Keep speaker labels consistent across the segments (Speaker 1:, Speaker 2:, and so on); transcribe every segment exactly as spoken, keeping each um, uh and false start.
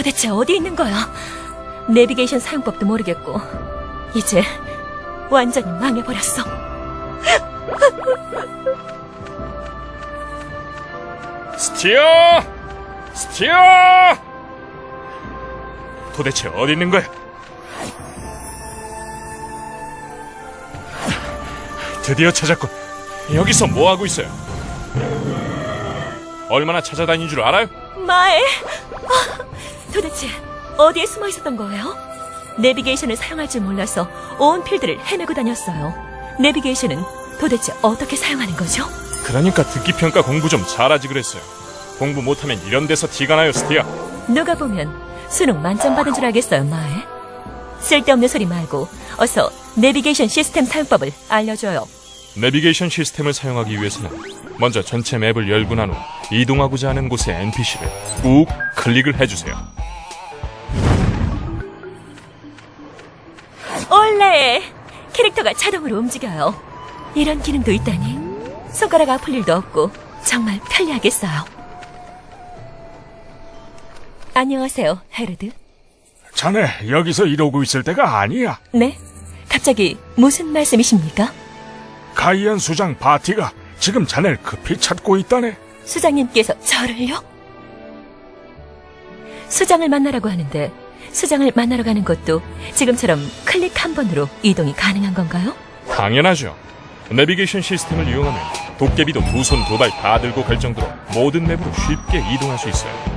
Speaker 1: 도대체 어디 있는 거야? 내비게이션 사용법도 모르겠고 이제 완전히 망해버렸어.
Speaker 2: 스티어! 스티어! 도대체 어디 있는 거야? 드디어 찾았군. 여기서 뭐 하고 있어요? 얼마나 찾아다닌 줄 알아요?
Speaker 1: 마에 아, 도대체 어디에 숨어 있었던 거예요? 내비게이션을 사용할 줄 몰라서 온 필드를 헤매고 다녔어요. 내비게이션은 도대체 어떻게 사용하는 거죠?
Speaker 2: 그러니까 듣기평가 공부 좀 잘하지 그랬어요. 공부 못하면 이런 데서 티가 나요, 스티어.
Speaker 1: 누가 보면 수능 만점 받은 줄 알겠어요, 마에. 쓸데없는 소리 말고 어서 내비게이션 시스템 사용법을 알려줘요.
Speaker 2: 내비게이션 시스템을 사용하기 위해서는 먼저 전체 맵을 열고 난 후 이동하고자 하는 곳의 엔피씨를 꾹 클릭을 해주세요.
Speaker 1: 원래 캐릭터가 자동으로 움직여요. 이런 기능도 있다니 손가락 아플 일도 없고 정말 편리하겠어요. 안녕하세요, 헤르드.
Speaker 3: 자네 여기서 이러고 있을 때가 아니야.
Speaker 1: 네? 갑자기 무슨 말씀이십니까?
Speaker 3: 가이안 수장 바티가 지금 자네를 급히 찾고 있다네.
Speaker 1: 수장님께서 저를요? 수장을 만나라고 하는데 수장을 만나러 가는 것도 지금처럼 클릭 한 번으로 이동이 가능한 건가요?
Speaker 2: 당연하죠. 내비게이션 시스템을 이용하면 도깨비도 두 손 두 발 다 들고 갈 정도로 모든 맵으로 쉽게 이동할 수 있어요.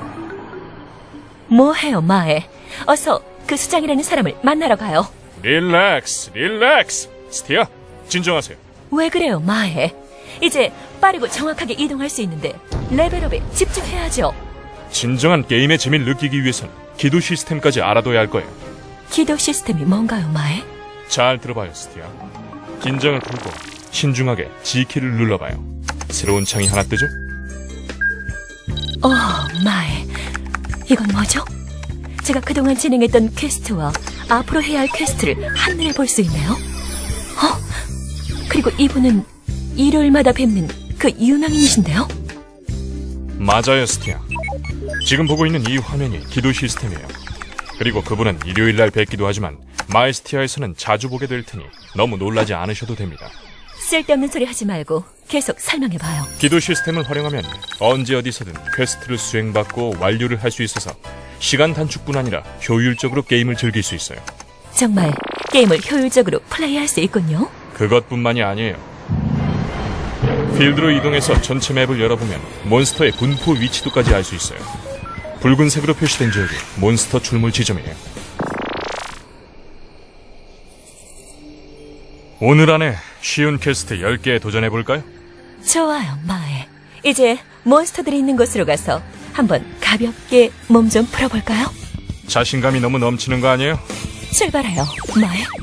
Speaker 1: 뭐해요, 마에. 어서 그 수장이라는 사람을 만나러 가요.
Speaker 2: 릴렉스, 릴렉스. 스티어, 진정하세요.
Speaker 1: 왜 그래요, 마에. 이제 빠르고 정확하게 이동할 수 있는데 레벨업에 집중해야죠.
Speaker 2: 진정한 게임의 재미를 느끼기 위해선 기도 시스템까지 알아둬야 할 거예요.
Speaker 1: 기도 시스템이 뭔가요, 마에?
Speaker 2: 잘 들어봐요, 스티어. 긴장을 풀고 신중하게 G키를 눌러봐요. 새로운 창이 하나 뜨죠?
Speaker 1: 어, 마에. 이건 뭐죠? 제가 그동안 진행했던 퀘스트와 앞으로 해야 할 퀘스트를 한눈에 볼 수 있네요. 어? 그리고 이분은 일요일마다 뵙는 그 유명인이신데요?
Speaker 2: 맞아요, 스티어. 지금 보고 있는 이 화면이 기도 시스템이에요. 그리고 그분은 일요일날 뵙기도 하지만 마이스티어에서는 자주 보게 될 테니 너무 놀라지 않으셔도 됩니다.
Speaker 1: 쓸데없는 소리 하지 말고 계속 설명해봐요.
Speaker 2: 기도 시스템을 활용하면 언제 어디서든 퀘스트를 수행받고 완료를 할 수 있어서 시간 단축뿐 아니라 효율적으로 게임을 즐길 수 있어요.
Speaker 1: 정말 게임을 효율적으로 플레이할 수 있군요.
Speaker 2: 그것뿐만이 아니에요. 필드로 이동해서 전체 맵을 열어보면 몬스터의 분포 위치도까지 알 수 있어요. 붉은색으로 표시된 지역이 몬스터 출몰 지점이에요. 오늘 안에 쉬운 퀘스트 열 개 도전해볼까요?
Speaker 1: 좋아요, 마에. 이제 몬스터들이 있는 곳으로 가서 한번 가볍게 몸 좀 풀어볼까요?
Speaker 2: 자신감이 너무 넘치는 거 아니에요?
Speaker 1: 출발해요, 마에.